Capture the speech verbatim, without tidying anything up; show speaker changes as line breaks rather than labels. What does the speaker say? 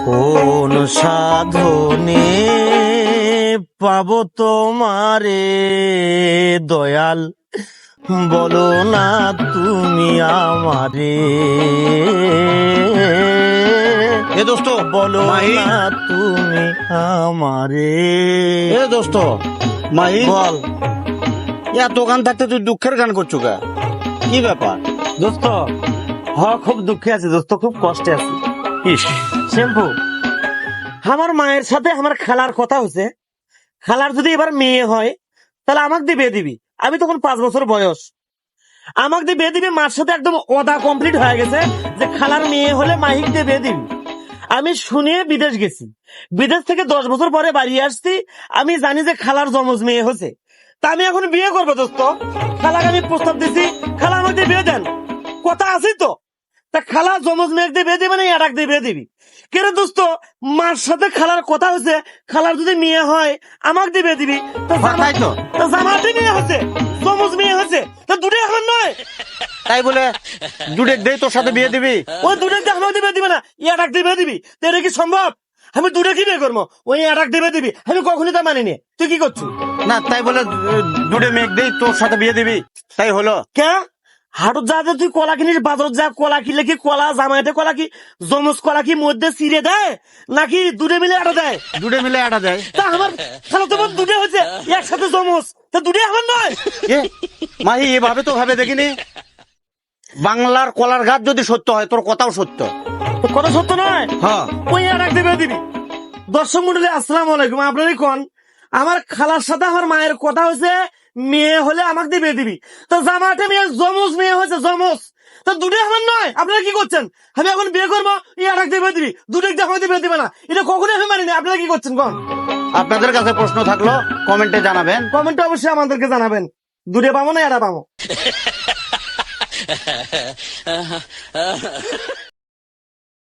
কোন সাধনে পাবো তোমারে দয়াল, বলো না তুমি আমারে।
এ দোস্ত
বলো
মাহি
না তুমি আমারে।
এ দোস্ত মাহি
বল
এত গান থাকতে তুই দুঃখের গান করছো কা? কি ব্যাপার?
দোস্ত, হ খুব দুঃখে আছি দোস্ত, খুব কষ্টে আছি।
ইস,
শ্যাম্পু, আমার মায়ের সাথে আমার খালার কথা হচ্ছে, খালার যদি এবার মেয়ে হয় তাহলে আমাকে দিয়ে বিয়ে দিবি। আমি তখন পাঁচ বছর বয়স, আমাকে দিয়ে বিয়ে দিবি। মার সাথে একদম ওদা কমপ্লিট হয়ে গেছে যে খালার মেয়ে হলে মাহিক দিয়ে বিয়ে দিবি। আমি শুনে বিদেশ গেছি, বিদেশ থেকে দশ বছর পরে বাড়ি আসছি। আমি জানি যে খালার জমজ মেয়ে হয়েছে, তা আমি এখন বিয়ে করবো দোস্ত। খালাকে আমি প্রস্তাব দিছি, খালা আমাকে দিয়ে বিয়ে দেন, কথা আছে তো। তা খালা জমজ মেয়ে দিয়ে বিয়ে দিবে না এটাক দিয়ে বিয়ে দিবি কেন দোস্ত? মার সাথে খালার কথা হয়েছে, খালার যদি মেয়ে হয় আমাকে দিয়ে বিয়ে দিবি। তো
তাই তো।
জামাতে মেয়ে হচ্ছে, জমজ মেয়ে হচ্ছে, তো দুটো এখন নয়।
তাই বলে জুড়ে দেই তোর সাথে বিয়ে দিবি?
ওই দুটো দিয়ে আমাকে দিয়ে বিয়ে দিবে না, এটাক দিয়ে বিয়ে দিবি। তো এটা কি সম্ভব? আমি দুটো কি বিয়ে করবো? ওই এটাক দিয়ে বিয়ে দিবি, আমি কখনই তা মানিনি। তুই কি করছিস?
না তাই বলে জুড়ে মেঘ দেই তোর সাথে বিয়ে দিবি? তাই হলো?
কে হাটত যা যে তুই কলা কিনিস, বাজার যা কলা কিনলে কি কলা জামাইতে কলা কি জমজ কলা কি মধ্যে ছিঁড়ে দেয় নাকি দুটো মিলে আটা দেয়?
জুড়ে মিলে আটা দেয়।
তা আমার খালা তো বোন দুটো হয়েছে একসাথে জমজ, তা দুটো আমার নয়।
এ মাহি এভাবে তো ভাবে দেখিনি। বাংলার কলার গাছ যদি সত্য হয় তোর কথাও সত্য।
তো কথা সত্য নয়?
হ্যাঁ
ওই আর এক দেবে দিবি। দর্শক মন্ডলী আসসালামু আলাইকুম, আপনারই কোন আমার খালার সাথে আমার মায়ের কথা হয়েছে, মেয়ে হলে আমাকে দিয়ে বিয়ে দিবি। তো জামাতে মেয়ে জমজ মেয়ে হয়েছে, জমজ, তো দুটো আমার নয়। আপনারা কি করছেন? আমি এখন বিয়ে করবো, ই আর এক দিয়ে বিয়ে দিবি, দুটো দিয়ে আমাকে দিয়ে বিয়ে দিবে না, এটা কখনোই আমি মানিনি। আপনারা কি করছেন কোন?
আপনাদের কাছে প্রশ্ন থাকলো কমেন্টে জানাবেন।
কমেন্টে অবশ্যই আমাদেরকে জানাবেন, দুটো পাবো না এরা পাবো।